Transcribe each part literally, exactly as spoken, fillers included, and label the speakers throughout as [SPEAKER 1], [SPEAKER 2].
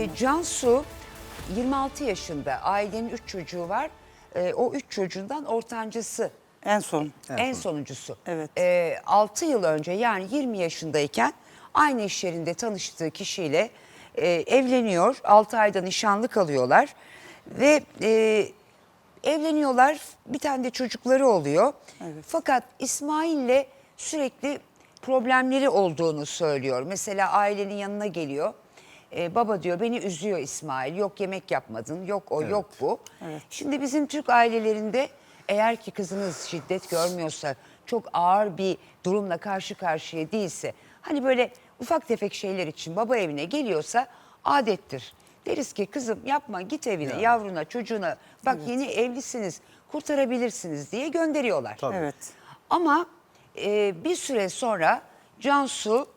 [SPEAKER 1] E, Cansu yirmi altı yaşında, ailenin üç çocuğu var. E, o üç çocuğundan ortancısı,
[SPEAKER 2] En son.
[SPEAKER 1] en, en sonuncusu.
[SPEAKER 2] Evet.
[SPEAKER 1] E, altı yıl önce, yani yirmi yaşındayken aynı iş yerinde tanıştığı kişiyle e, evleniyor. altı ayda nişanlı kalıyorlar ve e, evleniyorlar. Bir tane de çocukları oluyor.
[SPEAKER 2] Evet.
[SPEAKER 1] Fakat İsmail'le sürekli problemleri olduğunu söylüyor. Mesela ailenin yanına geliyor. Ee, baba diyor, beni üzüyor İsmail. Yok yemek yapmadın, yok o,
[SPEAKER 3] Evet.
[SPEAKER 1] yok bu.
[SPEAKER 2] Evet.
[SPEAKER 1] Şimdi bizim Türk ailelerinde eğer ki kızınız şiddet görmüyorsa, çok ağır bir durumla karşı karşıya değilse, hani böyle ufak tefek şeyler için baba evine geliyorsa adettir. Deriz ki kızım yapma, git evine,
[SPEAKER 3] Yani.
[SPEAKER 1] yavruna, çocuğuna, bak yeni evlisiniz, kurtarabilirsiniz diye gönderiyorlar.
[SPEAKER 3] Tabii.
[SPEAKER 2] Evet.
[SPEAKER 1] Ama e, bir süre sonra Cansu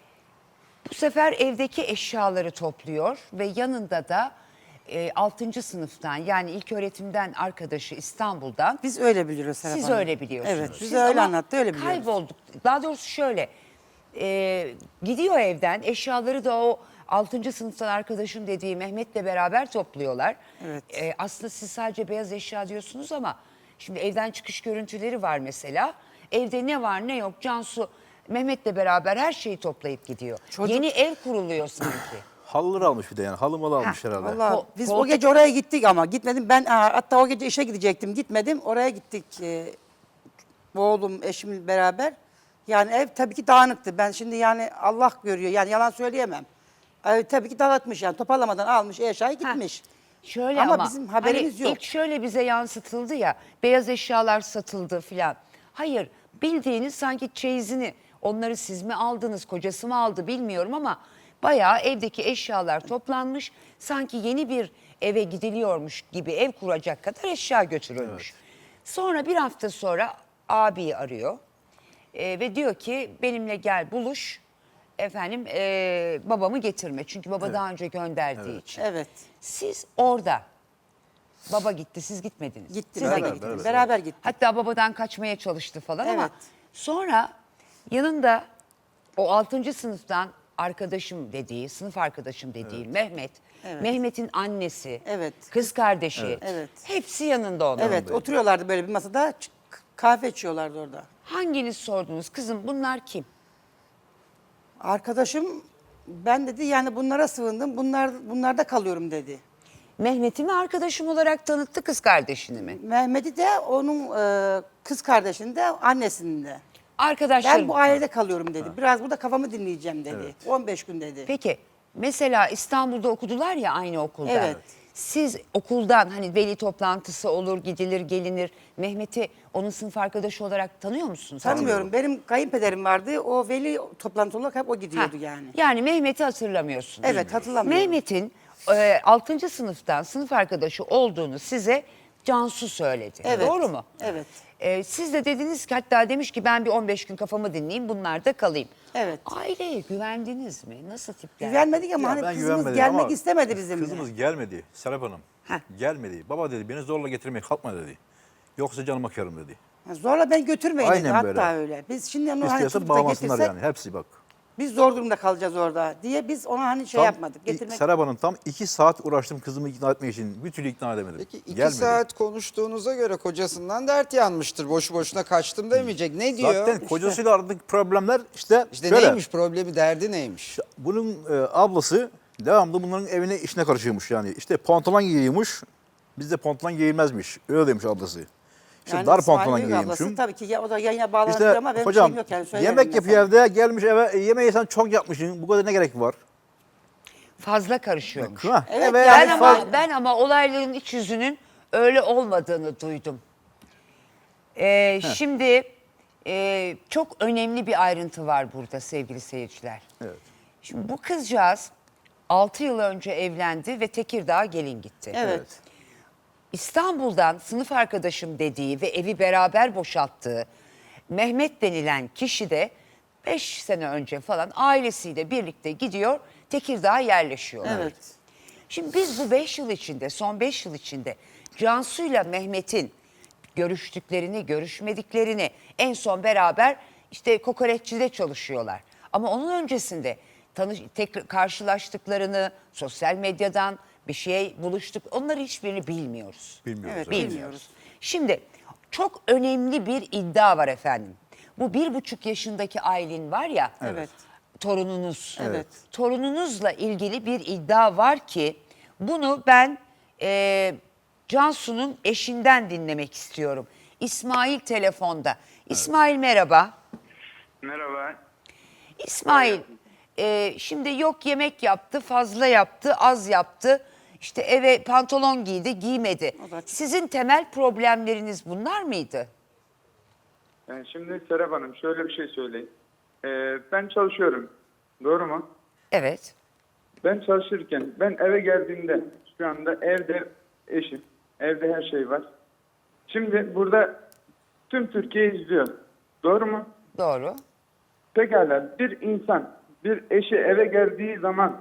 [SPEAKER 1] bu sefer evdeki eşyaları topluyor ve yanında da e, altıncı sınıftan, yani ilköğretimden arkadaşı İstanbul'dan.
[SPEAKER 2] Biz öyle biliyoruz Serap
[SPEAKER 1] Siz
[SPEAKER 2] Hanım.
[SPEAKER 1] öyle biliyorsunuz.
[SPEAKER 2] Evet,
[SPEAKER 1] Siz
[SPEAKER 2] bize öyle
[SPEAKER 1] ama
[SPEAKER 2] anlattı, öyle biliyoruz.
[SPEAKER 1] Kaybolduk. Daha doğrusu şöyle, e, gidiyor evden, eşyaları da o altıncı sınıftan arkadaşım dediği Mehmet'le beraber topluyorlar.
[SPEAKER 2] Evet.
[SPEAKER 1] E, aslında siz sadece beyaz eşya diyorsunuz ama şimdi evden çıkış görüntüleri var mesela. Evde ne var ne yok Cansu Mehmet'le beraber her şeyi toplayıp gidiyor.
[SPEAKER 2] Çocuk-
[SPEAKER 1] Yeni ev kuruluyor sanki.
[SPEAKER 3] Halıları almış bir de yani. Halı malı almış
[SPEAKER 1] Ha,
[SPEAKER 3] herhalde.
[SPEAKER 2] Vallahi
[SPEAKER 1] Ko-
[SPEAKER 2] biz
[SPEAKER 1] koltuk-
[SPEAKER 2] o gece oraya gittik ama gitmedim. Ben ha, hatta o gece işe gidecektim. Gitmedim. Oraya gittik. E, oğlum, eşimle beraber. Yani ev tabii ki dağınıktı. Ben şimdi yani Allah görüyor. Yani yalan söyleyemem. Ev tabii ki dağıtmış yani. Toparlamadan almış eşyayı gitmiş.
[SPEAKER 1] Şöyle
[SPEAKER 2] Ama
[SPEAKER 1] ama,
[SPEAKER 2] bizim haberimiz
[SPEAKER 1] hani
[SPEAKER 2] yok.
[SPEAKER 1] İlk şöyle bize yansıtıldı ya, beyaz eşyalar satıldı filan. Hayır, bildiğiniz sanki çeyizini, onları siz mi aldınız, kocası mı aldı bilmiyorum ama bayağı evdeki eşyalar toplanmış. Sanki yeni bir eve gidiliyormuş gibi ev kuracak kadar eşya götürülmüş. Sonra bir hafta sonra abiyi arıyor e, ve diyor ki benimle gel buluş. Efendim e, babamı getirme, çünkü baba daha önce gönderdiği için.
[SPEAKER 2] Evet.
[SPEAKER 1] Siz orada, baba gitti, siz gitmediniz.
[SPEAKER 2] Gittik.
[SPEAKER 1] Siz de
[SPEAKER 2] Beraber,
[SPEAKER 1] gittiniz.
[SPEAKER 3] beraber.
[SPEAKER 2] Beraber gittik.
[SPEAKER 1] Hatta babadan kaçmaya çalıştı falan ama
[SPEAKER 2] Evet.
[SPEAKER 1] sonra yanında o altıncı sınıftan arkadaşım dediği, sınıf arkadaşım dediği Mehmet,
[SPEAKER 2] Evet.
[SPEAKER 1] Mehmet'in annesi,
[SPEAKER 2] Evet.
[SPEAKER 1] kız kardeşi,
[SPEAKER 2] Evet.
[SPEAKER 1] hepsi yanında onun.
[SPEAKER 2] Evet, oturuyorlardı böyle bir masada. ç- Kahve içiyorlardı orada.
[SPEAKER 1] Hanginiz sordunuz, kızım bunlar kim?
[SPEAKER 2] Arkadaşım ben dedi yani bunlara sığındım. Bunlar bunlarda kalıyorum dedi.
[SPEAKER 1] Mehmet'i mi arkadaşım olarak tanıttı, kız kardeşini mi?
[SPEAKER 2] Mehmet'i de onun e, kız kardeşini de annesini de.
[SPEAKER 1] Arkadaşlarım.
[SPEAKER 2] Ben bu ailede kalıyorum dedi. Biraz burada kafamı dinleyeceğim dedi. on beş gün dedi.
[SPEAKER 1] Peki mesela İstanbul'da okudular ya aynı okulda.
[SPEAKER 2] Evet.
[SPEAKER 1] Siz okuldan hani veli toplantısı olur, gidilir, gelinir. Mehmet'i onun sınıf arkadaşı olarak tanıyor musunuz?
[SPEAKER 2] Tanımıyorum. Benim kayınpederim vardı. O veli toplantı olarak hep o
[SPEAKER 1] Ha,
[SPEAKER 2] gidiyordu yani.
[SPEAKER 1] Yani Mehmet'i hatırlamıyorsunuz.
[SPEAKER 2] Evet, hatırlamıyorum.
[SPEAKER 1] Mehmet'in e, altıncı sınıftan sınıf arkadaşı olduğunu size Cansu söyledi.
[SPEAKER 2] Evet.
[SPEAKER 1] Doğru mu?
[SPEAKER 2] Evet.
[SPEAKER 1] E, siz de dediniz ki, hatta demiş ki ben bir on beş gün kafamı dinleyeyim, bunlarda kalayım.
[SPEAKER 2] Evet.
[SPEAKER 1] Aileye güvendiniz mi? Nasıl tipler?
[SPEAKER 2] Güvenmedik ama
[SPEAKER 3] Ya
[SPEAKER 2] hani
[SPEAKER 3] ben
[SPEAKER 2] kızımız
[SPEAKER 3] güvenmedim
[SPEAKER 2] gelmek
[SPEAKER 3] ama
[SPEAKER 2] istemedi bizimle.
[SPEAKER 3] Kızımız gelmedi Serap Hanım.
[SPEAKER 1] Heh.
[SPEAKER 3] Gelmedi. Baba dedi beni zorla getirmeye kalkma dedi. Yoksa canıma kârım dedi.
[SPEAKER 2] Ha, Zorla ben götürmeyin dedi
[SPEAKER 3] Aynen
[SPEAKER 2] hatta
[SPEAKER 3] böyle.
[SPEAKER 2] öyle. Biz şimdi onu hani
[SPEAKER 3] İstiyorsa
[SPEAKER 2] tutup da
[SPEAKER 3] bağlamasınlar
[SPEAKER 2] getirsek
[SPEAKER 3] yani. Hepsi bak.
[SPEAKER 2] biz zor durumda kalacağız orada diye biz ona hani şey
[SPEAKER 3] Tam
[SPEAKER 2] yapmadık.
[SPEAKER 3] i-
[SPEAKER 2] Getirmek.
[SPEAKER 3] Serap Hanım tam iki saat uğraştım kızımı ikna etmek için. Bir türlü ikna edemedim.
[SPEAKER 4] Peki iki
[SPEAKER 3] Gelmedi.
[SPEAKER 4] saat konuştuğunuza göre kocasından dert yanmıştır. Boşu boşuna kaçtım demeyecek. Ne diyor?
[SPEAKER 3] Zaten kocasıyla aradaki problemler işte,
[SPEAKER 4] İşte
[SPEAKER 3] şöyle.
[SPEAKER 4] neymiş problemi, derdi neymiş?
[SPEAKER 3] Bunun e, ablası devamlı bunların evine işine karışıyormuş yani. İşte pantolon giyiyormuş. Bizde pantolon giyilmezmiş. Öyle demiş ablası. İşte dar
[SPEAKER 2] İsmail
[SPEAKER 3] pantolon
[SPEAKER 2] Büyük ablası
[SPEAKER 3] giyiyormuşum.
[SPEAKER 2] tabii ki ya, o da yayına bağlanır
[SPEAKER 3] İşte
[SPEAKER 2] ama benim
[SPEAKER 3] hocam
[SPEAKER 2] şeyim yok yani söylerim
[SPEAKER 3] yemek yapıyor
[SPEAKER 2] mesela.
[SPEAKER 3] evde gelmiş eve e, yemeği sen çok yapmışsın. Bu kadar ne gerek var?
[SPEAKER 1] Fazla karışıyormuş.
[SPEAKER 3] Ha,
[SPEAKER 2] Evet,
[SPEAKER 3] eve
[SPEAKER 2] yani
[SPEAKER 1] Ben
[SPEAKER 3] yani
[SPEAKER 1] ama,
[SPEAKER 3] faz-
[SPEAKER 1] ben ama olayların iç yüzünün öyle olmadığını duydum. Ee, şimdi e, çok önemli bir ayrıntı var burada sevgili seyirciler.
[SPEAKER 3] Evet.
[SPEAKER 1] Şimdi bu kızcağız altı yıl önce evlendi ve Tekirdağ'a gelin gitti.
[SPEAKER 2] Evet.
[SPEAKER 1] İstanbul'dan sınıf arkadaşım dediği ve evi beraber boşalttığı Mehmet denilen kişi de beş sene önce falan ailesiyle birlikte gidiyor, Tekirdağ'a yerleşiyor.
[SPEAKER 2] Evet.
[SPEAKER 1] Şimdi biz bu beş yıl içinde, son beş yıl içinde Cansu'yla Mehmet'in görüştüklerini, görüşmediklerini, en son beraber işte kokoreççide çalışıyorlar. Ama onun öncesinde tanış tek karşılaştıklarını, sosyal medyadan bir şey buluştuk. Onları hiçbirini bilmiyoruz.
[SPEAKER 3] Bilmiyoruz.
[SPEAKER 2] Evet,
[SPEAKER 3] evet.
[SPEAKER 2] bilmiyoruz.
[SPEAKER 1] Şimdi çok önemli bir iddia var efendim. Bu bir buçuk yaşındaki Aylin var ya.
[SPEAKER 2] Evet.
[SPEAKER 1] Torununuz.
[SPEAKER 2] Evet.
[SPEAKER 1] Torununuzla ilgili bir iddia var ki bunu ben e, Cansu'nun eşinden dinlemek istiyorum. İsmail telefonda. İsmail merhaba.
[SPEAKER 5] Merhaba.
[SPEAKER 1] İsmail e, şimdi yok yemek yaptı, fazla yaptı, az yaptı. İşte eve pantolon giydi, giymedi.
[SPEAKER 2] O da-
[SPEAKER 1] Sizin temel problemleriniz bunlar mıydı?
[SPEAKER 5] Yani şimdi Serap Hanım şöyle bir şey söyleyeyim. Ee, ben çalışıyorum. Doğru mu?
[SPEAKER 1] Evet.
[SPEAKER 5] Ben çalışırken ben eve geldiğimde şu anda evde eşim. Evde her şey var. Şimdi burada tüm Türkiye izliyor. Doğru mu?
[SPEAKER 1] Doğru.
[SPEAKER 5] Pekala bir insan bir eşi eve geldiği zaman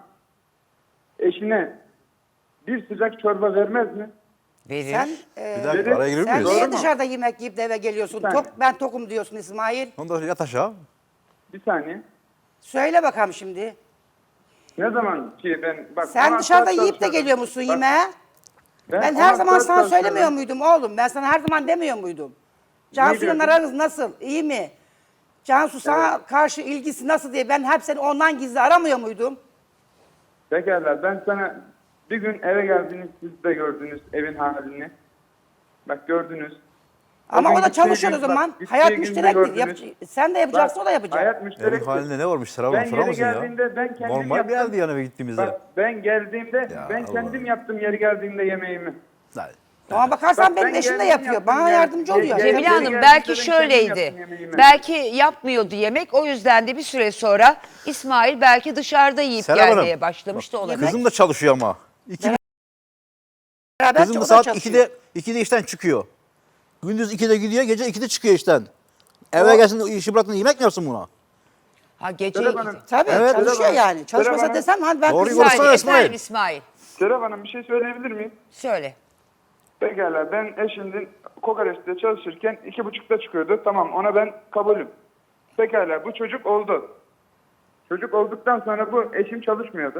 [SPEAKER 5] eşine bir sıcak çorba vermez mi?
[SPEAKER 1] Verir.
[SPEAKER 2] Sen, e,
[SPEAKER 3] Bir dakika araya girir
[SPEAKER 2] sen
[SPEAKER 3] miyiz?
[SPEAKER 2] niye
[SPEAKER 5] Doğru mu?
[SPEAKER 2] dışarıda yemek yiyip de eve geliyorsun?
[SPEAKER 5] Bir saniye.
[SPEAKER 2] Tok, ben tokum diyorsun İsmail.
[SPEAKER 3] Ondan sonra yat aşağı.
[SPEAKER 5] Bir saniye.
[SPEAKER 2] Söyle bakalım şimdi.
[SPEAKER 5] Ne zaman ki ben bak
[SPEAKER 2] Sen
[SPEAKER 5] on
[SPEAKER 2] dışarıda
[SPEAKER 5] saat
[SPEAKER 2] yiyip de
[SPEAKER 5] çalışıyorum.
[SPEAKER 2] geliyor musun
[SPEAKER 5] Bak,
[SPEAKER 2] yemeğe? Ben
[SPEAKER 5] on
[SPEAKER 2] her
[SPEAKER 5] saat
[SPEAKER 2] zaman sana
[SPEAKER 5] çalışıyorum.
[SPEAKER 2] söylemiyor muydum oğlum? Ben sana her zaman demiyor muydum? Cansu'yla
[SPEAKER 5] diyordun?
[SPEAKER 2] aranız nasıl? İyi mi? Cansu sana karşı ilgisi nasıl diye ben hep seni ondan gizli aramıyor muydum?
[SPEAKER 5] Pekala ben sana bir gün eve geldiniz siz de gördünüz evin halini. Bak gördünüz.
[SPEAKER 2] Ama
[SPEAKER 5] gün
[SPEAKER 2] o da
[SPEAKER 5] gittiği
[SPEAKER 2] çalışıyor o
[SPEAKER 5] gün-
[SPEAKER 2] zaman.
[SPEAKER 5] bak, gittiği
[SPEAKER 2] Hayat
[SPEAKER 5] günde
[SPEAKER 2] müşterektir.
[SPEAKER 5] gördünüz.
[SPEAKER 2] Yap- sen de yapacaksın,
[SPEAKER 5] Bak,
[SPEAKER 2] o da yapacak.
[SPEAKER 5] Hayat
[SPEAKER 3] Evin
[SPEAKER 5] müşterektir.
[SPEAKER 3] halinde ne varmış Serap Hanım?
[SPEAKER 5] Ben
[SPEAKER 3] Sorar
[SPEAKER 5] yeri
[SPEAKER 3] mısın ya?
[SPEAKER 5] geldiğimde ben kendim
[SPEAKER 3] Normal
[SPEAKER 5] yaptım.
[SPEAKER 3] bir yerdi yani eve gittiğimizde.
[SPEAKER 5] Bak ben geldiğimde
[SPEAKER 3] Ya
[SPEAKER 5] ben
[SPEAKER 3] Allah.
[SPEAKER 5] kendim yaptım yeri geldiğinde yemeğimi.
[SPEAKER 3] Hadi.
[SPEAKER 2] Ama bakarsan
[SPEAKER 5] Bak,
[SPEAKER 2] benim
[SPEAKER 5] ben
[SPEAKER 2] eşim de
[SPEAKER 5] geldim
[SPEAKER 2] yapıyor.
[SPEAKER 5] yaptım
[SPEAKER 2] Bana
[SPEAKER 5] ya.
[SPEAKER 2] yardımcı
[SPEAKER 5] Ye-
[SPEAKER 2] oluyor.
[SPEAKER 5] ye-
[SPEAKER 1] Cemile
[SPEAKER 5] Yeri
[SPEAKER 1] Hanım
[SPEAKER 5] geldiğinde
[SPEAKER 1] belki
[SPEAKER 5] ben kendim
[SPEAKER 1] şöyleydi.
[SPEAKER 5] yaptım yemeğimi.
[SPEAKER 1] Belki yapmıyordu yemek. O yüzden de bir süre sonra İsmail belki dışarıda yiyip
[SPEAKER 3] Serap Hanım,
[SPEAKER 1] gelmeye başlamış da olabilir.
[SPEAKER 3] Kızım da çalışıyor ama. İki,
[SPEAKER 2] Beraber
[SPEAKER 3] kızım
[SPEAKER 2] o
[SPEAKER 3] da
[SPEAKER 2] da
[SPEAKER 3] saat
[SPEAKER 2] çalışıyor.
[SPEAKER 3] ikide, ikide işten çıkıyor. Gündüz ikide gidiyor, gece ikide çıkıyor işten. Eve gelsin işi bıraktın yemek mi yapsın buna?
[SPEAKER 1] Ha gece
[SPEAKER 5] Serap
[SPEAKER 1] iki-
[SPEAKER 5] Hanım,
[SPEAKER 2] Tabii
[SPEAKER 3] Evet.
[SPEAKER 2] çalışıyor
[SPEAKER 5] Serap Hanım,
[SPEAKER 2] yani. Çalışmasa
[SPEAKER 5] Serap Hanım.
[SPEAKER 2] desem hani ben
[SPEAKER 3] Doğru
[SPEAKER 2] kızım-
[SPEAKER 3] konuşsana
[SPEAKER 1] Saniye,
[SPEAKER 3] İsmail.
[SPEAKER 1] efendim İsmail.
[SPEAKER 5] Serap Hanım bir şey söyleyebilir miyim?
[SPEAKER 1] Söyle.
[SPEAKER 5] Pekala ben eşimden kokoreçte çalışırken iki buçukta çıkıyordu. Tamam ona ben kabulüm. Pekala bu çocuk oldu. Çocuk olduktan sonra bu eşim çalışmıyordu.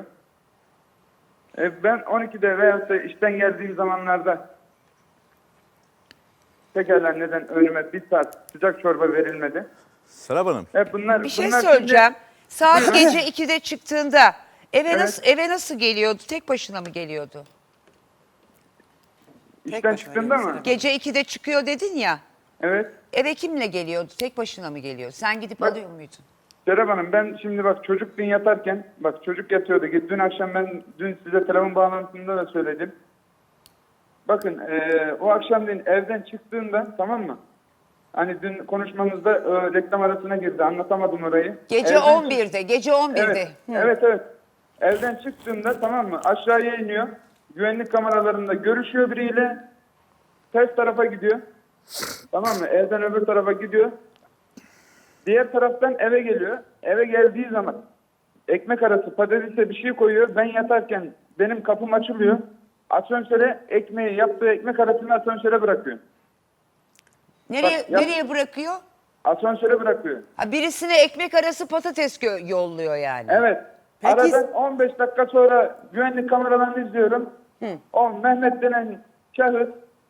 [SPEAKER 5] E, ben on ikide veyahut da işten geldiğim zamanlarda pekala neden önüme bir saat sıcak çorba verilmedi?
[SPEAKER 3] Serap Hanım.
[SPEAKER 5] E, bunlar,
[SPEAKER 1] Bir şey
[SPEAKER 5] bunlar
[SPEAKER 1] söyleyeceğim.
[SPEAKER 5] şimdi-
[SPEAKER 1] Saat gece ikide çıktığında eve
[SPEAKER 5] Evet.
[SPEAKER 1] nasıl eve nasıl geliyordu? Tek başına mı geliyordu?
[SPEAKER 5] işten
[SPEAKER 2] başına
[SPEAKER 5] çıktığında
[SPEAKER 2] geliyor
[SPEAKER 5] mı?
[SPEAKER 1] Gece ikide çıkıyor dedin ya.
[SPEAKER 5] Evet.
[SPEAKER 1] Eve kimle geliyordu? Tek başına mı geliyor? Sen gidip
[SPEAKER 5] Bak-
[SPEAKER 1] alıyor muydun?
[SPEAKER 5] Serap Hanım ben şimdi bak çocuk dün yatarken bak çocuk yatıyordu. Dün akşam ben dün size telefon bağlantısında da söyledim. Bakın eee, o akşam dün evden çıktığında tamam mı? Hani dün konuşmamızda e, reklam arasına girdi anlatamadım orayı.
[SPEAKER 1] Gece
[SPEAKER 5] Evden
[SPEAKER 1] on birde, gece on birde.
[SPEAKER 5] Evet, evet, evet. Evden çıktığında tamam mı? Aşağıya iniyor. Güvenlik kameralarında görüşüyor biriyle. Ters tarafa gidiyor. Tamam mı? Evden öbür tarafa gidiyor. Diğer taraftan eve geliyor. Eve geldiği zaman ekmek arası patatese bir şey koyuyor. Ben yatarken benim kapım açılıyor. Asansöre ekmeği yaptığı ekmek arasını asansöre bırakıyor.
[SPEAKER 1] Nereye
[SPEAKER 5] Bak, yap-
[SPEAKER 1] nereye bırakıyor?
[SPEAKER 5] Asansöre bırakıyor.
[SPEAKER 1] Ha, birisine ekmek arası patates gö- yolluyor yani.
[SPEAKER 5] Evet.
[SPEAKER 2] Peki-
[SPEAKER 5] Aradan on beş dakika sonra güvenlik kameralarını izliyorum. O Mehmet denen şahıs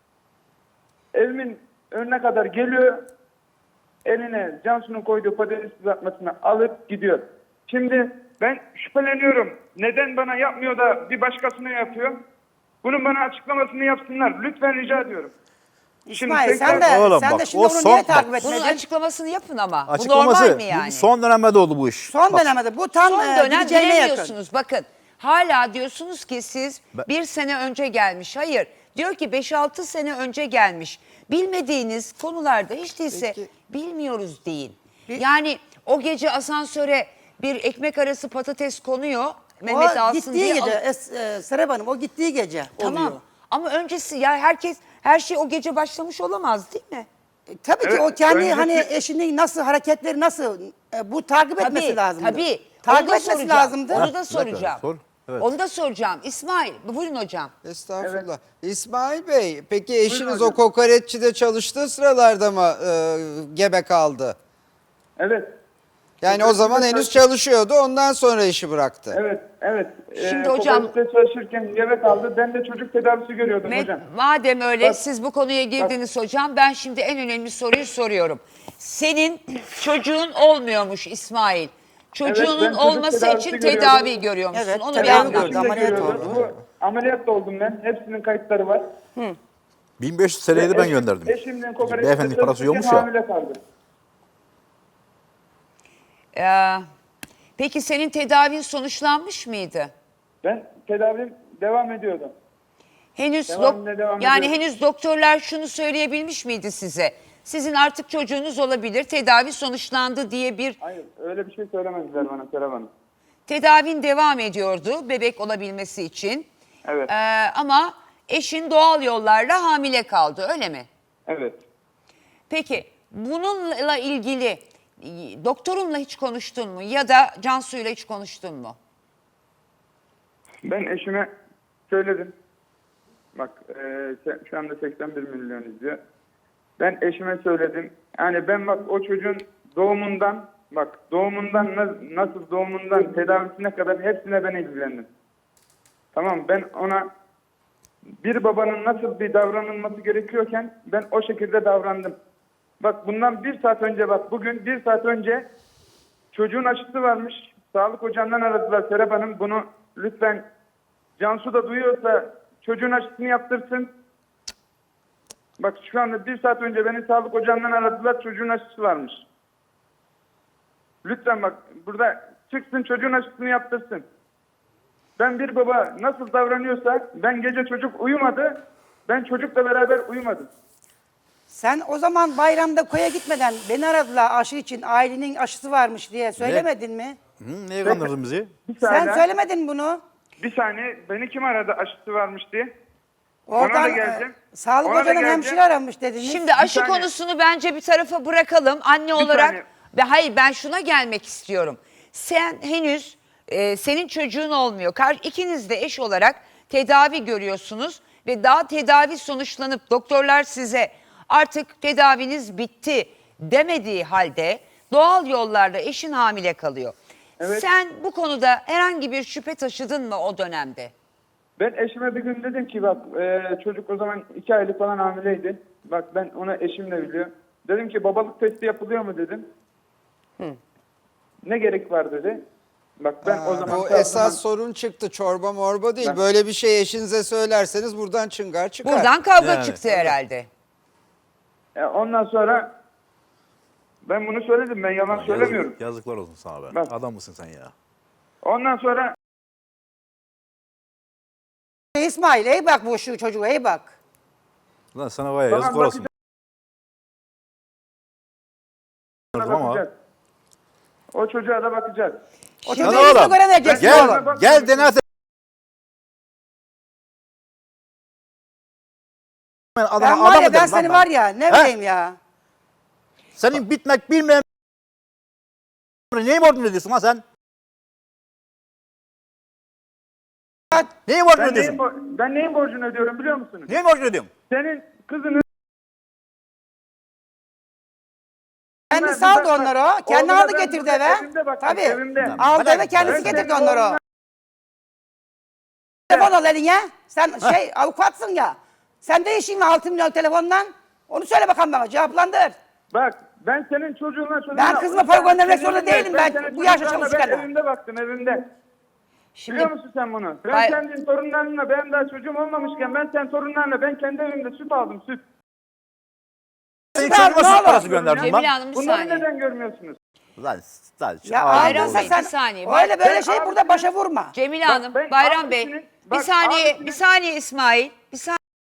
[SPEAKER 5] evimin önüne kadar geliyor. Eline Cansu'nun koyduğu patates kızartmasını alıp gidiyor. Şimdi ben şüpheleniyorum. Neden bana yapmıyor da bir başkasına yapıyor? Bunun bana açıklamasını yapsınlar. Lütfen rica ediyorum.
[SPEAKER 2] İsmail
[SPEAKER 5] tekrar-
[SPEAKER 2] sen de,
[SPEAKER 3] Oğlum
[SPEAKER 2] sen
[SPEAKER 3] bak,
[SPEAKER 2] de şimdi
[SPEAKER 3] o
[SPEAKER 2] onu
[SPEAKER 3] son-
[SPEAKER 2] niye takip
[SPEAKER 3] bak,
[SPEAKER 1] Bunun
[SPEAKER 2] etmedin?
[SPEAKER 1] açıklamasını yapın ama. Bu
[SPEAKER 3] Açıklaması.
[SPEAKER 1] normal mi yani?
[SPEAKER 3] Bu son dönemde oldu bu iş.
[SPEAKER 2] Son
[SPEAKER 3] Bak,
[SPEAKER 2] dönemde bu tam
[SPEAKER 1] Son
[SPEAKER 2] e,
[SPEAKER 1] dönem
[SPEAKER 2] gideceğine yakın.
[SPEAKER 1] bilemiyorsunuz. Bakın hala diyorsunuz ki siz
[SPEAKER 3] Ben-
[SPEAKER 1] bir sene önce gelmiş. Hayır diyor ki beş altı sene önce gelmiş. Bilmediğiniz konularda hiç değilse
[SPEAKER 4] Peki.
[SPEAKER 1] bilmiyoruz deyin. Yani o gece asansöre bir ekmek arası patates konuyor. Mehmet
[SPEAKER 2] O
[SPEAKER 1] alsın
[SPEAKER 2] gittiği
[SPEAKER 1] diye.
[SPEAKER 2] gece,
[SPEAKER 1] al-
[SPEAKER 2] es, e, Serap Hanım o gittiği gece
[SPEAKER 1] Tamam.
[SPEAKER 2] oluyor.
[SPEAKER 1] Ama öncesi ya herkes her şey o gece başlamış olamaz değil mi?
[SPEAKER 2] E, Tabii ki
[SPEAKER 5] Evet,
[SPEAKER 2] o kendi
[SPEAKER 5] öncesi-
[SPEAKER 2] hani eşinin nasıl hareketleri nasıl e, bu takip etmesi
[SPEAKER 1] Tabii,
[SPEAKER 2] lazımdı.
[SPEAKER 1] tabii.
[SPEAKER 2] Takip
[SPEAKER 1] Onu da
[SPEAKER 2] etmesi
[SPEAKER 1] soracağım.
[SPEAKER 2] lazımdı.
[SPEAKER 1] Onu da
[SPEAKER 3] bir dakika,
[SPEAKER 1] soracağım.
[SPEAKER 3] sor. Evet.
[SPEAKER 1] Onu da soracağım. İsmail, buyurun hocam.
[SPEAKER 4] Estağfurullah. İsmail Bey, peki eşiniz
[SPEAKER 5] hocam.
[SPEAKER 4] o kokoreççide çalıştığı sıralarda mı e, gebe kaldı?
[SPEAKER 5] Evet.
[SPEAKER 4] Yani o zaman henüz çalışıyordu, ondan sonra işi bıraktı.
[SPEAKER 5] Evet, evet.
[SPEAKER 1] Şimdi
[SPEAKER 5] Ee,
[SPEAKER 1] hocam-
[SPEAKER 5] kooperatifte çalışırken eve kaldı. Ben de çocuk tedavisi görüyordum
[SPEAKER 1] Med-
[SPEAKER 5] hocam.
[SPEAKER 1] Madem öyle
[SPEAKER 5] Bak-
[SPEAKER 1] siz bu konuya girdiniz hocam, ben şimdi en önemli soruyu soruyorum. Senin çocuğun olmuyormuş İsmail. Çocuğunun
[SPEAKER 5] Evet, ben çocuk
[SPEAKER 1] olması
[SPEAKER 5] tedavisi
[SPEAKER 1] için
[SPEAKER 5] görüyordum.
[SPEAKER 1] tedavi görüyormuşsun.
[SPEAKER 2] Evet,
[SPEAKER 1] Onu bir
[SPEAKER 2] tedavi
[SPEAKER 1] anlat.
[SPEAKER 2] gördüm. Ameliyat
[SPEAKER 5] görüyordum.
[SPEAKER 2] oldu.
[SPEAKER 5] Bu, ameliyat da oldum ben. Hepsinin kayıtları var.
[SPEAKER 3] bin beş yüz T L'yi de ben
[SPEAKER 5] Eşim-
[SPEAKER 3] gönderdim.
[SPEAKER 5] Eşimden kooperatifte
[SPEAKER 3] Beyefendi parası
[SPEAKER 5] çalışırken
[SPEAKER 3] yokmuş ya.
[SPEAKER 5] hamile kaldı.
[SPEAKER 1] Ee, peki senin tedavin sonuçlanmış mıydı?
[SPEAKER 5] Ben tedavim devam ediyordu.
[SPEAKER 1] Henüz
[SPEAKER 5] Devamlı
[SPEAKER 1] dok-
[SPEAKER 5] devam
[SPEAKER 1] yani
[SPEAKER 5] ediyor.
[SPEAKER 1] henüz doktorlar şunu söyleyebilmiş miydi size? Sizin artık çocuğunuz olabilir, tedavi sonuçlandı diye bir
[SPEAKER 5] Hayır, öyle bir şey söylemediler bana Serap Hanım.
[SPEAKER 1] tedavin devam ediyordu bebek olabilmesi için.
[SPEAKER 5] Evet,
[SPEAKER 1] Ee, ama eşin doğal yollarla hamile kaldı, öyle mi?
[SPEAKER 5] evet.
[SPEAKER 1] Peki bununla ilgili e, doktorunla hiç konuştun mu ya da Cansu'yla hiç konuştun mu?
[SPEAKER 5] Ben eşime söyledim. Bak, e, se- şu anda seksen bir milyon izliyor. Ben eşime söyledim. Yani ben bak o çocuğun doğumundan, bak doğumundan na- nasıl doğumundan tedavisine kadar hepsine ben ilgilendim. Tamam, ben ona bir babanın nasıl bir davranılması gerekiyorken ben o şekilde davrandım. Bak bundan bir saat önce, bak bugün bir saat önce çocuğun aşısı varmış. Sağlık ocağından aradılar Serap Hanım. Bunu lütfen Cansu da duyuyorsa çocuğun aşısını yaptırsın. Bak şu anda bir saat önce beni sağlık ocağından aradılar. Çocuğun aşısı varmış. Lütfen bak burada çıksın çocuğun aşısını yaptırsın. Ben bir baba nasıl davranıyorsa, ben gece çocuk uyumadı. Ben çocukla beraber uyumadım.
[SPEAKER 2] Sen o zaman bayramda koya gitmeden beni aradılar aşı için, ailenin aşısı varmış diye söylemedin mi?
[SPEAKER 3] Hı, neye kandırdın bizi?
[SPEAKER 5] Bir
[SPEAKER 2] Sen
[SPEAKER 5] saniye,
[SPEAKER 2] söylemedin bunu.
[SPEAKER 5] bir saniye beni kim aradı aşısı varmış diye? Ona da
[SPEAKER 2] Oradan
[SPEAKER 5] geleceğim.
[SPEAKER 2] e, sağlık
[SPEAKER 5] Ona da
[SPEAKER 2] hocanın
[SPEAKER 5] geleceğim.
[SPEAKER 2] hemşire aramış dediniz.
[SPEAKER 1] Şimdi aşı
[SPEAKER 5] saniye.
[SPEAKER 1] konusunu bence bir tarafa bırakalım. Anne olarak
[SPEAKER 5] saniye.
[SPEAKER 1] ve hayır ben şuna gelmek istiyorum. Sen henüz e, senin çocuğun olmuyor. Kar, ikiniz de eş olarak tedavi görüyorsunuz ve daha tedavi sonuçlanıp doktorlar size artık tedaviniz bitti demediği halde doğal yollarla eşin hamile kalıyor.
[SPEAKER 5] Evet.
[SPEAKER 1] Sen bu konuda herhangi bir şüphe taşıdın mı o dönemde?
[SPEAKER 5] Ben eşime bir gün dedim ki bak e, çocuk o zaman iki aylık falan hamileydi. Bak ben ona eşim de biliyor. Dedim ki babalık testi yapılıyor mu dedim. Ne gerek var dedi. Bak ben o zaman...
[SPEAKER 4] Bu
[SPEAKER 5] o
[SPEAKER 4] esas
[SPEAKER 5] zaman-
[SPEAKER 4] sorun çıktı, çorba morba değil.
[SPEAKER 5] Ben-
[SPEAKER 4] Böyle bir şey eşinize söylerseniz buradan çıngar çıkar.
[SPEAKER 1] Buradan kavga
[SPEAKER 3] Yani,
[SPEAKER 1] çıktı herhalde.
[SPEAKER 5] E, ondan sonra ben bunu söyledim. Ben yalan söylemiyorum.
[SPEAKER 3] Yazık- yazıklar olsun sana be.
[SPEAKER 5] Bak.
[SPEAKER 3] Adam mısın sen ya?
[SPEAKER 5] Ondan sonra
[SPEAKER 2] İsmail iyi bak bu şu çocuğa iyi bak.
[SPEAKER 3] Lan sana var ya
[SPEAKER 5] Tamam,
[SPEAKER 3] yazıklar olsun.
[SPEAKER 5] bakacağız.
[SPEAKER 3] Ama.
[SPEAKER 5] bakacağız. O çocuğa da bakacağız.
[SPEAKER 2] O
[SPEAKER 1] Şimdi-
[SPEAKER 2] çocuğu
[SPEAKER 3] Lan
[SPEAKER 2] yüzüne
[SPEAKER 3] oğlum,
[SPEAKER 2] göre vereceksin
[SPEAKER 3] Gel,
[SPEAKER 2] oğlum.
[SPEAKER 5] Bak-
[SPEAKER 3] gel D N A te- Ben adam,
[SPEAKER 2] Ben var
[SPEAKER 3] adam
[SPEAKER 2] ya
[SPEAKER 3] mı
[SPEAKER 2] ben
[SPEAKER 3] derim lan
[SPEAKER 2] seni var ya ne
[SPEAKER 3] He?
[SPEAKER 2] bileyim ya.
[SPEAKER 3] Senin bitmek bilmeyen neyi borcunu ödüyorsun lan sen? Neyi borcunu
[SPEAKER 5] Ben neyin,
[SPEAKER 3] ödüyorsun?
[SPEAKER 5] bo- ben neyin borcunu ödüyorum biliyor musunuz?
[SPEAKER 3] Neyi borcunu ödüyorsun?
[SPEAKER 5] Senin kızını...
[SPEAKER 2] Kendi
[SPEAKER 5] Ben-
[SPEAKER 2] saldı
[SPEAKER 5] ben-
[SPEAKER 2] onları o. Kendi
[SPEAKER 5] Oğluna
[SPEAKER 2] aldı
[SPEAKER 5] ben
[SPEAKER 2] getirdi
[SPEAKER 5] burada
[SPEAKER 2] eve.
[SPEAKER 5] evimde baktım,
[SPEAKER 2] Tabii.
[SPEAKER 5] evimde.
[SPEAKER 2] Aldı
[SPEAKER 3] Bana-
[SPEAKER 2] eve kendisi
[SPEAKER 5] Ben
[SPEAKER 2] getirdi
[SPEAKER 5] senin
[SPEAKER 2] onları o.
[SPEAKER 5] oğluna-
[SPEAKER 2] Telefon al eline. Sen şey avukatsın ya. Sen de işin var altı milyon telefondan. Onu söyle bakalım bana cevaplandır.
[SPEAKER 5] Bak ben senin çocuğunla çocuğuna...
[SPEAKER 2] Ben kızıma para göndermek zorunda
[SPEAKER 5] Senin-
[SPEAKER 2] değilim ben.
[SPEAKER 5] senin
[SPEAKER 2] Bu yaşta
[SPEAKER 5] çocuklarla
[SPEAKER 2] çalışırken.
[SPEAKER 5] Ben evimde baktım evimde.
[SPEAKER 1] Şimdi
[SPEAKER 5] Biliyor musun sen bunu? Ben
[SPEAKER 1] Hayır.
[SPEAKER 5] kendin torunlarınla ben daha çocuğum olmamışken ben sen torunlarla ben kendi evimde süt aldım süt.
[SPEAKER 3] Senin
[SPEAKER 2] Tamam,
[SPEAKER 3] çocuğuma
[SPEAKER 2] ne
[SPEAKER 3] süt
[SPEAKER 2] olur.
[SPEAKER 3] parası gönderdim
[SPEAKER 1] Cemile
[SPEAKER 3] lan.
[SPEAKER 1] Hanım bir
[SPEAKER 5] Bunları
[SPEAKER 1] saniye.
[SPEAKER 5] neden görmüyorsunuz?
[SPEAKER 3] Lan, lan,
[SPEAKER 2] Ya
[SPEAKER 3] ağzını
[SPEAKER 2] ayrılsa
[SPEAKER 3] bozma.
[SPEAKER 2] sen
[SPEAKER 1] bir saniye.
[SPEAKER 2] öyle böyle
[SPEAKER 5] Ben
[SPEAKER 2] şey burada
[SPEAKER 5] abisinin-
[SPEAKER 2] başa vurma.
[SPEAKER 1] Cemile
[SPEAKER 5] Bak,
[SPEAKER 1] Hanım,
[SPEAKER 5] ben
[SPEAKER 1] Bayram Bey,
[SPEAKER 5] abisinin-
[SPEAKER 1] bir
[SPEAKER 5] bak,
[SPEAKER 1] saniye,
[SPEAKER 5] abisinin-
[SPEAKER 1] bir saniye İsmail, bir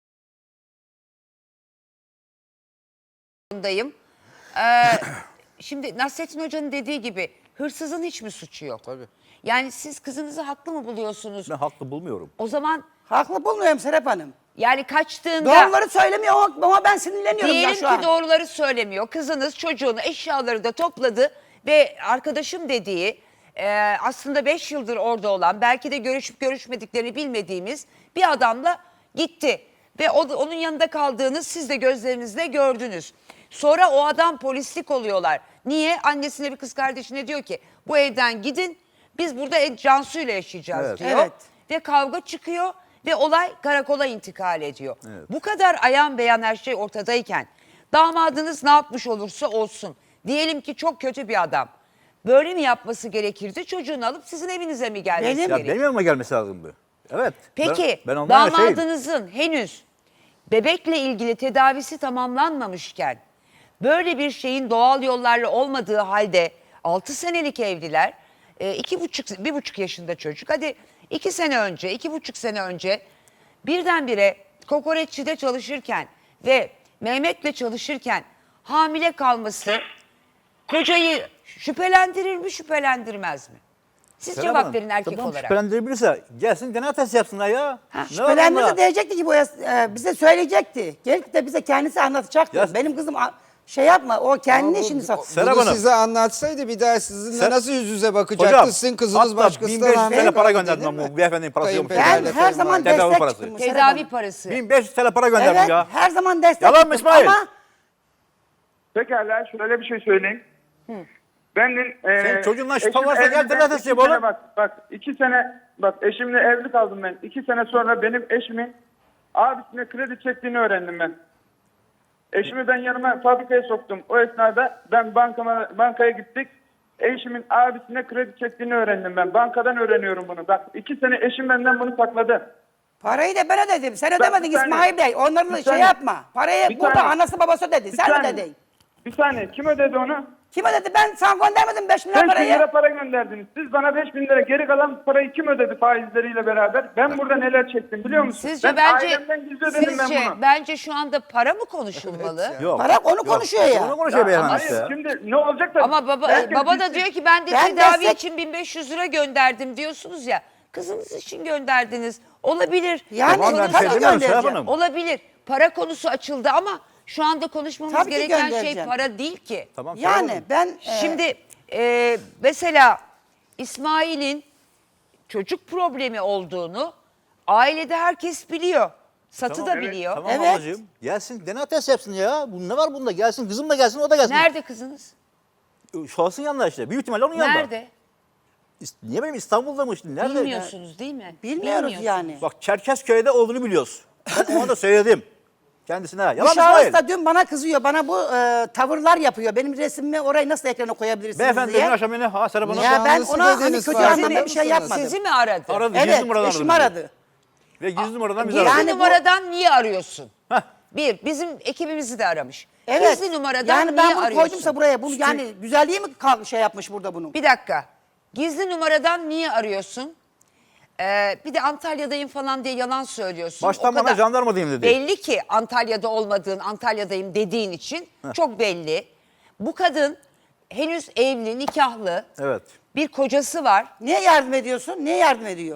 [SPEAKER 1] saniyeyim. Ee, şimdi Nasrettin Hoca'nın dediği gibi hırsızın hiç mi suçu yok?
[SPEAKER 3] Tabii.
[SPEAKER 1] Yani siz kızınızı haklı mı buluyorsunuz?
[SPEAKER 3] Ben haklı bulmuyorum.
[SPEAKER 1] O zaman
[SPEAKER 2] Haklı bulmuyorum Serap Hanım.
[SPEAKER 1] yani kaçtığında
[SPEAKER 2] Doğruları söylemiyor ama- ama ben sinirleniyorum ya
[SPEAKER 1] diyelim
[SPEAKER 2] şu
[SPEAKER 1] ki
[SPEAKER 2] an.
[SPEAKER 1] doğruları söylemiyor. Kızınız çocuğunu, eşyaları da topladı ve arkadaşım dediği e, aslında beş yıldır orada olan, belki de görüşüp görüşmediklerini bilmediğimiz bir adamla gitti. Ve o, onun yanında kaldığını siz de gözlerinizle gördünüz. Sonra o adam polislik oluyorlar. Niye? Annesine bir kız kardeşine diyor ki bu evden gidin biz burada Cansu ile yaşayacağız
[SPEAKER 3] Evet.
[SPEAKER 1] diyor.
[SPEAKER 2] Evet.
[SPEAKER 1] Ve kavga çıkıyor ve olay karakola intikal ediyor. Bu kadar ayan beyan her şey ortadayken damadınız ne yapmış olursa olsun. Diyelim ki çok kötü bir adam. Böyle mi yapması gerekirdi? Çocuğunu alıp sizin evinize mi gelmesi
[SPEAKER 2] Benim-
[SPEAKER 3] Ya
[SPEAKER 1] gerekirdi?
[SPEAKER 3] benim yanıma gelmesi lazımdı. Evet.
[SPEAKER 1] Peki
[SPEAKER 3] ben, ben ondan şeyim.
[SPEAKER 1] damadınızın henüz bebekle ilgili tedavisi tamamlanmamışken böyle bir şeyin doğal yollarla olmadığı halde altı senelik evliler, e, iki buçuk, bir buçuk yaşında çocuk, hadi iki sene önce, iki buçuk sene önce birdenbire kokoreççide çalışırken ve Mehmet'le çalışırken hamile kalması kocayı şüphelendirir mi, şüphelendirmez mi? Siz
[SPEAKER 3] Serap
[SPEAKER 1] cevap
[SPEAKER 3] Hanım,
[SPEAKER 1] verin erkek
[SPEAKER 3] tamam,
[SPEAKER 1] olarak.
[SPEAKER 3] Şüphelendirebilirse gelsin D N A testi yapsınlar ya. Ne var
[SPEAKER 2] Şüphelendiğinde
[SPEAKER 3] bunda?
[SPEAKER 2] diyecekti ki bu e, bize söyleyecekti. Gelip de bize kendisi anlatacaktı.
[SPEAKER 3] Ya-
[SPEAKER 2] Benim kızım a- şey yapma o kendi
[SPEAKER 4] Ama bu-
[SPEAKER 2] işini sat.
[SPEAKER 3] Serap
[SPEAKER 4] Bunu
[SPEAKER 3] Hanım.
[SPEAKER 4] size anlatsaydı bir daha sizinle
[SPEAKER 3] Ser-
[SPEAKER 4] nasıl yüz yüze bakacaktı?
[SPEAKER 3] Hocam,
[SPEAKER 4] Sizin kızınız
[SPEAKER 3] hatta
[SPEAKER 4] başkasına
[SPEAKER 3] bin beş yüz
[SPEAKER 4] rahmet
[SPEAKER 3] T L para
[SPEAKER 4] verdi,
[SPEAKER 3] gönderdim
[SPEAKER 4] değil
[SPEAKER 3] ben
[SPEAKER 4] mi?
[SPEAKER 3] bu beyefendinin parası yok.
[SPEAKER 4] Kayınpederle
[SPEAKER 2] Ben her zaman
[SPEAKER 4] kayınvalide.
[SPEAKER 3] Tedavi
[SPEAKER 2] destek
[SPEAKER 3] parası.
[SPEAKER 2] çıktım. Serap
[SPEAKER 1] Tedavi
[SPEAKER 2] Hanım.
[SPEAKER 1] parası.
[SPEAKER 3] bin beş yüz T L para gönderdim
[SPEAKER 2] Evet
[SPEAKER 3] ya.
[SPEAKER 2] her zaman destek
[SPEAKER 3] Yalan mı
[SPEAKER 2] çıktım
[SPEAKER 3] İsmail?
[SPEAKER 2] ama
[SPEAKER 5] Pekala şöyle bir şey söyleyeyim. Ben de, e,
[SPEAKER 3] Senin çocuğunla şüphe
[SPEAKER 5] eşim
[SPEAKER 3] varsa gel
[SPEAKER 5] evliden
[SPEAKER 3] telafi
[SPEAKER 5] iki
[SPEAKER 3] yap
[SPEAKER 5] sene
[SPEAKER 3] oğlum.
[SPEAKER 5] Bak, bak iki sene bak eşimle evli kaldım ben. İki sene sonra benim eşimin abisine kredi çektiğini öğrendim ben. Eşimi ben yanıma fabrikaya soktum. O esnada ben bankama, bankaya gittik. Eşimin abisine kredi çektiğini öğrendim ben. Bankadan öğreniyorum bunu. Bak iki sene eşim benden bunu sakladı.
[SPEAKER 2] parayı da ben ödedim. Sen
[SPEAKER 5] bir
[SPEAKER 2] ödemedin
[SPEAKER 5] saniye.
[SPEAKER 2] İsmail Bey. Onların
[SPEAKER 5] Bir
[SPEAKER 2] şey
[SPEAKER 5] saniye.
[SPEAKER 2] yapma. Parayı
[SPEAKER 5] Bir
[SPEAKER 2] burada
[SPEAKER 5] saniye.
[SPEAKER 2] anası babası ödedi.
[SPEAKER 5] Bir
[SPEAKER 2] Sen
[SPEAKER 5] saniye.
[SPEAKER 2] ödedin.
[SPEAKER 5] Bir saniye kim ödedi onu?
[SPEAKER 2] Kim ödedi? Ben sana göndermedim beş bin lira
[SPEAKER 5] beş bin
[SPEAKER 2] parayı.
[SPEAKER 5] lira para gönderdiniz. Siz bana beş bin lira geri kalan parayı kim ödedi faizleriyle beraber? Ben burada neler çektim biliyor musun?
[SPEAKER 1] Sizce
[SPEAKER 5] ben
[SPEAKER 1] bence
[SPEAKER 5] ailemden gizli ödedim ben
[SPEAKER 1] sizce
[SPEAKER 5] bunu.
[SPEAKER 1] bence şu anda para mı konuşulmalı?
[SPEAKER 3] Yok.
[SPEAKER 2] Para onu konuşuyor ya.
[SPEAKER 3] Onu konuşuyor beyefendi
[SPEAKER 5] Hayır
[SPEAKER 3] işte.
[SPEAKER 5] şimdi ne olacak da...
[SPEAKER 1] Ama baba
[SPEAKER 5] Herkes
[SPEAKER 1] baba da
[SPEAKER 5] bilsin.
[SPEAKER 1] diyor ki ben de
[SPEAKER 2] Ben
[SPEAKER 1] tedavi
[SPEAKER 2] destek-
[SPEAKER 1] için bin beş yüz lira gönderdim diyorsunuz ya. Kızınız için gönderdiniz. Olabilir.
[SPEAKER 2] Yani
[SPEAKER 3] Tamam, ben
[SPEAKER 2] tabii
[SPEAKER 3] şey demiyorum Serap
[SPEAKER 2] göndereceğim.
[SPEAKER 3] Hanım.
[SPEAKER 1] Olabilir. Para konusu açıldı ama şu anda konuşmamız
[SPEAKER 2] Tabii ki
[SPEAKER 1] gereken şey
[SPEAKER 2] göndereceğim.
[SPEAKER 1] para değil ki.
[SPEAKER 3] Tamam, Serap
[SPEAKER 2] Yani
[SPEAKER 3] Hanım.
[SPEAKER 2] ben e,
[SPEAKER 1] Şimdi e, mesela İsmail'in çocuk problemi olduğunu ailede herkes biliyor. Satı
[SPEAKER 3] Tamam,
[SPEAKER 1] da
[SPEAKER 3] evet,
[SPEAKER 1] biliyor.
[SPEAKER 3] Tamam
[SPEAKER 2] Evet.
[SPEAKER 3] ablacığım. Gelsin D N A test yapsın ya. Bu ne var bunda? Gelsin kızım da gelsin o da gelsin.
[SPEAKER 1] Nerede kızınız?
[SPEAKER 3] Şahsın yanında işte. Büyük ihtimalle onun yanında.
[SPEAKER 1] Nerede?
[SPEAKER 3] İst- Niye benim İstanbul'da mı işte? Nerede?
[SPEAKER 1] Bilmiyorsunuz değil mi?
[SPEAKER 2] bilmiyoruz
[SPEAKER 1] Bilmiyorsunuz.
[SPEAKER 2] yani.
[SPEAKER 3] Bak Çerkezköy'de olduğunu biliyoruz. Ben ona da söyledim. Kendisine.
[SPEAKER 2] Bu
[SPEAKER 3] Yalan mı
[SPEAKER 2] şahıs
[SPEAKER 3] İsmail?
[SPEAKER 2] da dün bana kızıyor. Bana bu e, tavırlar yapıyor. Benim resmimi orayı nasıl ekrana koyabilirsiniz
[SPEAKER 3] Beyefendi
[SPEAKER 2] diye.
[SPEAKER 3] dün akşam beni ha Serap Hanım
[SPEAKER 2] Ya ben
[SPEAKER 4] Nişanlısı
[SPEAKER 2] ona hani
[SPEAKER 4] dediniz,
[SPEAKER 2] kötü
[SPEAKER 4] farkında
[SPEAKER 2] anlamda bir şey
[SPEAKER 4] mısınız?
[SPEAKER 2] yapmadım.
[SPEAKER 1] Sizi mi aradı?
[SPEAKER 3] aradı.
[SPEAKER 2] Evet,
[SPEAKER 3] Gizli numaradan
[SPEAKER 2] eşim
[SPEAKER 3] aradı.
[SPEAKER 2] aradı.
[SPEAKER 3] Ve gizli numaradan bizi
[SPEAKER 1] Gizli
[SPEAKER 3] aradı.
[SPEAKER 2] Yani bu-
[SPEAKER 1] numaradan niye arıyorsun?
[SPEAKER 3] Heh.
[SPEAKER 1] Bir, bizim ekibimizi de aramış.
[SPEAKER 2] Evet.
[SPEAKER 1] Gizli numaradan
[SPEAKER 2] yani
[SPEAKER 1] niye
[SPEAKER 2] ben bunu
[SPEAKER 1] arıyorsun?
[SPEAKER 2] koydumsa buraya, bunu yani güzelliği mi kal- şey yapmış burada bunun?
[SPEAKER 1] Bir dakika. Gizli numaradan niye arıyorsun? Ee, bir de Antalya'dayım falan diye yalan söylüyorsun.
[SPEAKER 3] Baştan
[SPEAKER 1] O
[SPEAKER 3] bana
[SPEAKER 1] kadar
[SPEAKER 3] jandarmadayım dedi.
[SPEAKER 1] Belli ki Antalya'da olmadığın, Antalya'dayım dediğin için çok belli. Bu kadın henüz evli, nikahlı.
[SPEAKER 3] Evet.
[SPEAKER 1] Bir kocası var.
[SPEAKER 2] Niye yardım ediyorsun? Niye yardım ediyor?